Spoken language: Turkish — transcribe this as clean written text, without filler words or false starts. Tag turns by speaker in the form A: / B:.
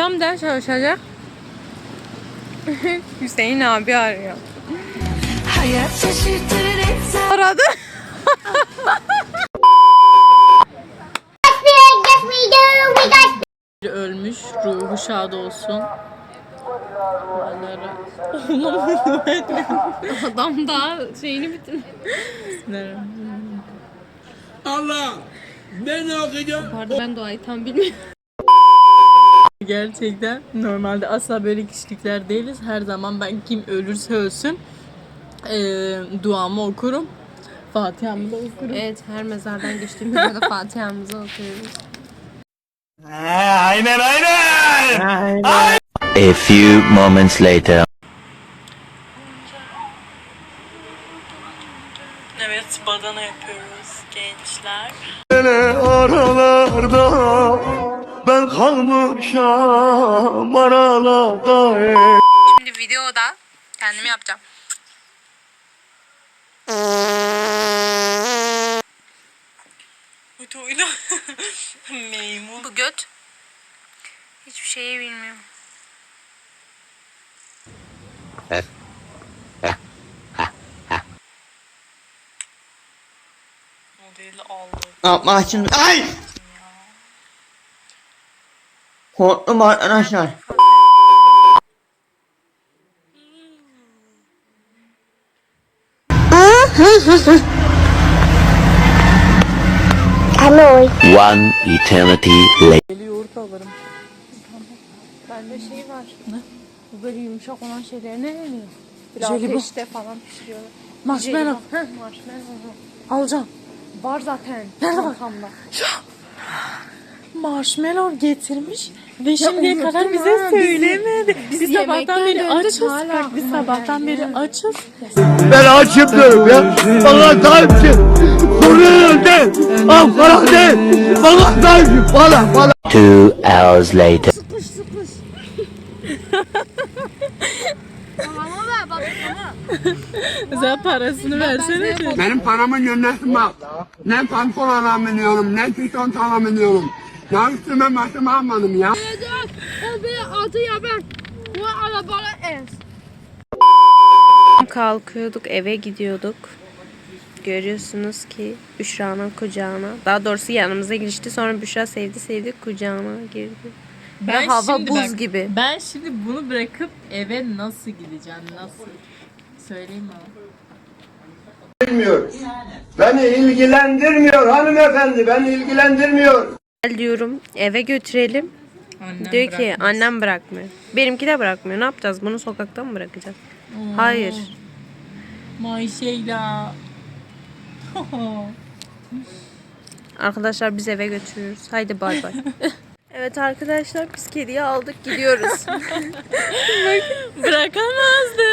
A: Hocam ders çalışacak. Hüseyin abi arıyor. Aradı. Ölmüş, ruhu şad olsun. Adam daha şeyini bitirmiş.
B: Allah! Ben ne okuyacağım?
A: Pardon, ben duayı tam bilmiyorum.
C: Gerçekten normalde asla böyle kişilikler değiliz. Her zaman ben kim ölürse ölsün duamı okurum. Fatiha'mı da okurum.
A: Evet, her mezardan geçtiğimizde de Fatiha'mızı okuyoruz.
B: Aynen.
D: A few moments later.
C: Evet, badana yapıyoruz gençler.
B: Aralarda ben kalmışam aralarda.
A: Şimdi videoda kendimi yapacağım.
C: Uyla. Meymun.
A: Bu göt hiçbir şeyi bilmiyor.
C: Modeli aldı.
E: Ne yapmak için? Ay! Korktum arkadaşlar.
D: One eternity later.
A: Bende şey var. Ne? Bu böyle yumuşak olan şeyler ne deniyor? Biraz ateşte falan pişiriyorlar.
C: Marshmallow.
A: Marshmallow.
C: Alacağım.
A: Var zaten.
C: Nerede bak? Marshmallow getirmiş ve şimdiye kadar bize söylemedi. Biz sabahtan beri açız. Bak, biz sabahtan beri açız.
B: Ben açım diyorum ya. Bana sahipsin. Soruyorum de. Ankara de. Bana sahipsin. Bana.
D: 2 hours later.
C: Sen parasını versene.
B: Benim paramı yönetme bak. Ne pantolon alamıyorum, ne tişört alamıyorum. Ya üstüme başıma almadım ya.
A: Kalkıyorduk, eve gidiyorduk. Görüyorsunuz ki Büşra'nın kucağına. Daha doğrusu yanımıza girişti. Sonra Büşra sevdi kucağına girdi.
C: Ben
A: hava
C: şimdi
A: buz gibi.
C: Ben şimdi bunu bırakıp eve nasıl gideceğim? Nasıl? Söyleyeyim mi?
B: Bilmiyor. Beni ilgilendirmiyor hanımefendi, beni ilgilendirmiyor.
A: Gel diyorum, eve götürelim.
C: Annem
A: Diyor ki
C: bırakmaz.
A: annem bırakmıyor. Benimki de bırakmıyor. Ne yapacağız? Bunu sokakta mı bırakacağız? Hayır.
C: Mayşeyla.
A: Arkadaşlar biz eve götürüyoruz. Haydi bay bay. Evet arkadaşlar, biz kediyi aldık gidiyoruz.
C: Bırakamazdı.